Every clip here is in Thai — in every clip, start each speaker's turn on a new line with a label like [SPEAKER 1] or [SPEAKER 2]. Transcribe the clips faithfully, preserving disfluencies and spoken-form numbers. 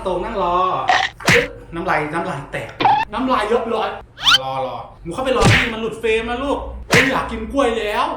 [SPEAKER 1] ตรงนั่งรอน้ำลายน้ำลายแตกน้ำลายยกร้อยรอรอหนูเข้าไปรอที่มันหลุดเฟรมนะลูกไม่อยากกินกล้วยแล้ว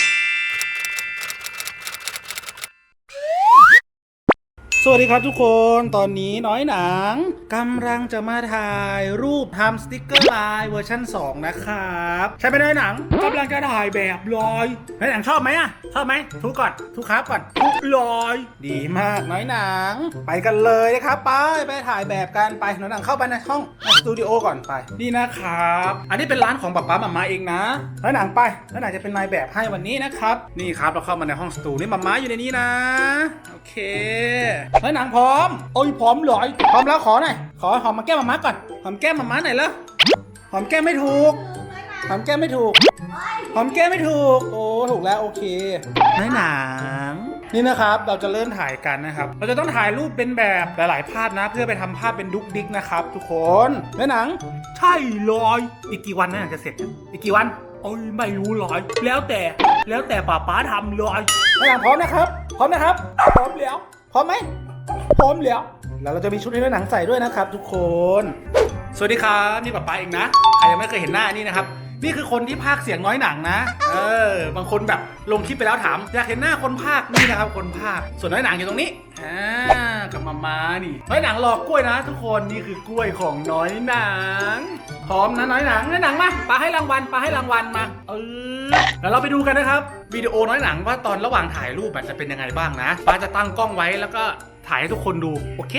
[SPEAKER 1] สวัสดีครับทุกคนตอนนี้น้อยหนังกำลังจะมาถ่ายรูปทำสติกเกอร์ลายเวอร์ชันสองนะครับใช่ไหมน้อยหนังกำลังจะถ่ายแบบลอยน้อยหนังชอบไหมอะชอบไหมทุกก่อนทุกครับก่อนทุกลอยดีมากน้อยหนังไปกันเลยนะครับไปไปถ่ายแบบกันไปน้อยหนังเข้าไปในห้องสตูดิโอก่อนไปนี่นะครับอันนี้เป็นร้านของป๊าป๊าหม่าม้าเองนะน้อยหนังไปน้อยหนังจะเป็นนายแบบให้วันนี้นะครับนี่ครับเราเข้ามาในห้องสตูนี่หม่าม้าอยู่ในนี้นะโอเคน้อยหนังพร้อมโอ้ยพร้อมเลยพร้อมแล้วขอหน่อยขอหอมมาแก้มหม่าม้าก่อนหอมแก้มหม่าม้าหน่อยแล้วหอมแก้มไม่ถูกหอมแก้มไม่ถูกหอมแก้มไม่ถูกโอ้ถูกแล้วโอเคน้อยหนังนี่นะครับเราจะเริ่มถ่ายกันนะครับเราจะต้องถ่ายรูปเป็นแบบหลายๆภาพนะเพื่อไปทำภาพเป็นดุ๊กดิ๊กนะครับทุกคนน้อยหนังใช่เลยอีกกี่วันน้อยหนังจะเสร็จอีกกี่วันโอ้ยไม่รู้เลยแล้วแต่แล้วแต่ป้าป๊าทำเลยน้อยหนังพร้อมนะครับพร้อมนะครับพร้อมแล้วพร้อมไหมพร้อมแล้วแล้วเราจะมีชุดให้น้อยหนังใส่ด้วยนะครับทุกคนสวัสดีครับนี่ป๊าป๊าเองนะใครยังไม่เคยเห็นหน้านี่นะครับนี่คือคนที่พากย์เสียงน้อยหนังนะเออบางคนแบบลงคลิปไปแล้วถามอยากเห็นหน้าคนพากย์นี่นะครับคนพากย์ส่วนน้อยหนังอยู่ตรงนี้อ่ากับมาม่านี่น้อยหนังรอกล้วยนะทุกคนนี่คือกล้วยของน้อยหนังพร้อมนะน้อยหนังน้อยหนังมาปาให้รางวัลปาให้รางวัลมาเออแล้วเราไปดูกันนะครับวิดีโอน้อยหนังว่าตอนระหว่างถ่ายรูปมันจะเป็นยังไงบ้างนะปาจะตั้งกล้องไว้แล้วก็ถ่ายให้ทุกคนดูโอเค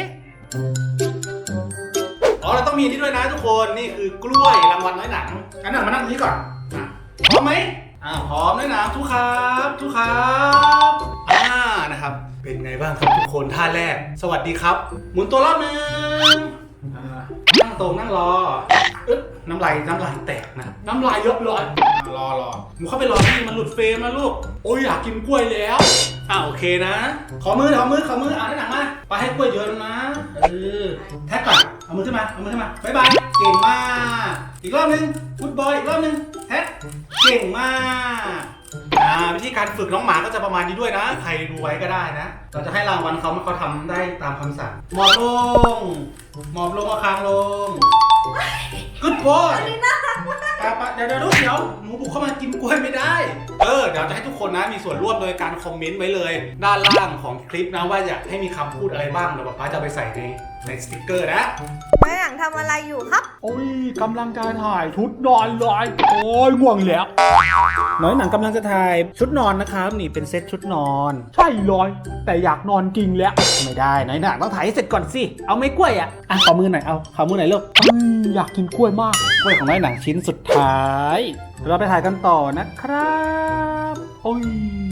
[SPEAKER 1] อ๋อเราต้องมีนี่ด้วยนะทุกคนนี่คือกล้วยรางวัลน้อยหนังอันหนังมานั่งตรงนี้ก่อนพร้อมไหมอ่าพร้อมน้อยหนังทุกครับทุกครับอ่านะครับเป็นไงบ้างครับทุกคนท่าแรกสวัสดีครับหมุนตัวรอบนึงอ่านั่งตรงนั่งรออึ๊บน้ำลายน้ำลายแตกนะน้ำลายยกร้อยรอรอหนูเข้าไปรอที่มันหลุดเฟรมนะลูกโอ้ยอยากกินกล้วยแล้วอ่าโอเคนะขอมือขอมือขอมืออ่าน้อยหนังมาไปให้กล้วยเยอะนะเออแท็กก่อนเอามือขึ้นมาเอามือขึ้นมาบ๊ายบายเก่งมากอีกรอบนึงฟุตบอลอีกรอบนึงแท็กเก่งมากอ่าวิธีการฝึกน้องหมาก็จะประมาณนี้ด้วยนะใครดูไว้ก็ได้นะเราจะให้รางวัลเขาเมื่อเขาทำได้ตามคำสั่งหมอบลงหมอบลงเอาคางลงกึดบอลเดี๋ยวเดี๋ยวเดี๋ยวหนูบุกเข้ามากินกล้วยไม่ได้เออเดี๋ยวจะให้ทุกคนนะมีส่วนร่วมโดยการคอมเมนต์ไว้เลยด้านล่างของคลิปนะว่าอยากให้มีคำพูดอะไรบ้างเดี๋ยวป๊าจะไปใส่ในในสติ๊กเกอร์นะ
[SPEAKER 2] น้อยหนังทำอะไรอยู่ครับ
[SPEAKER 1] โอ้ยกำลังจะถ่ายชุดนอนเลยโอ้ยง่วงแล้วน้อยหนังกำลังจะถ่ายชุดนอนนะครับนี่เป็นเซตชุดนอนใช่เลยแต่อยากนอนจริงแล้วไม่ได้น้อยหนังต้องถ่ายให้เสร็จก่อนสิเอาไม่กล้วยอ่ะอ่ะขอมือหน่อยเอาขอมือหน่อยลูกอยากกินกล้วยมากกล้วยของน้อยหนังชิ้นสุดท้ายเราไปถ่ายกันต่อนะครับโอ้ย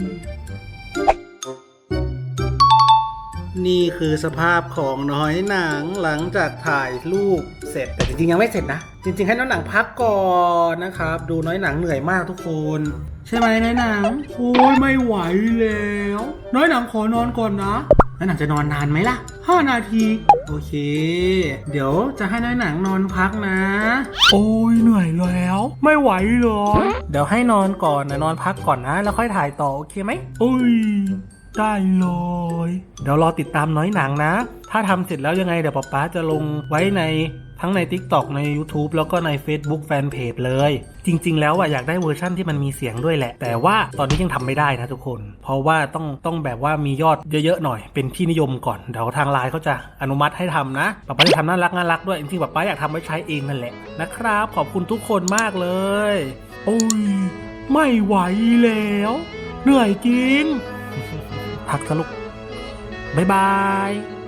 [SPEAKER 1] นี่คือสภาพของน้อยหนังหลังจากถ่ายรูปเสร็จแต่จริงๆยังไม่เสร็จนะจริงๆให้น้อยหนังพักก่อนนะครับดูน้อยหนังเหนื่อยมากทุกคนใช่ไหมน้อยหนังโอ้ยไม่ไหวแล้วน้อยหนังขอนอนก่อนนะน้อยหนังจะนอนนานไหมล่ะห้านาทีโอเคเดี๋ยวจะให้น้อยหนังนอนพักนะโอ้ยเหนื่อยแล้วไม่ไหวเลยเดี๋ยวให้นอนก่อนนะนอนพักก่อนนะแล้วค่อยถ่ายต่อโอเคไหมโอ้ยได้เลยเดี๋ยวรอติดตามน้อยหนังนะถ้าทำเสร็จแล้วยังไงเดี๋ยวป๊าป๊าจะลงไว้ในทั้งใน ติ๊กต็อก ใน ยูทูบ แล้วก็ใน เฟซบุ๊ก แฟนเพจเลยจริงๆแล้วอ่ะอยากได้เวอร์ชั่นที่มันมีเสียงด้วยแหละแต่ว่าตอนนี้ยังทำไม่ได้นะทุกคนเพราะว่าต้องต้องแบบว่ามียอดเยอะๆหน่อยเป็นที่นิยมก่อนเดี๋ยวทางไลน์เขาจะอนุมัติให้ทำนะป๊าป๊าจะทำน่ารักน่ารักด้วยจริงๆป๊าป๊าอยากทำไว้ใช้เองนั่นแหละนะครับขอบคุณทุกคนมากเลยโอ้ยไม่ไหวแล้วเหนื่อยจริงพักสลุกบ๊ายบาย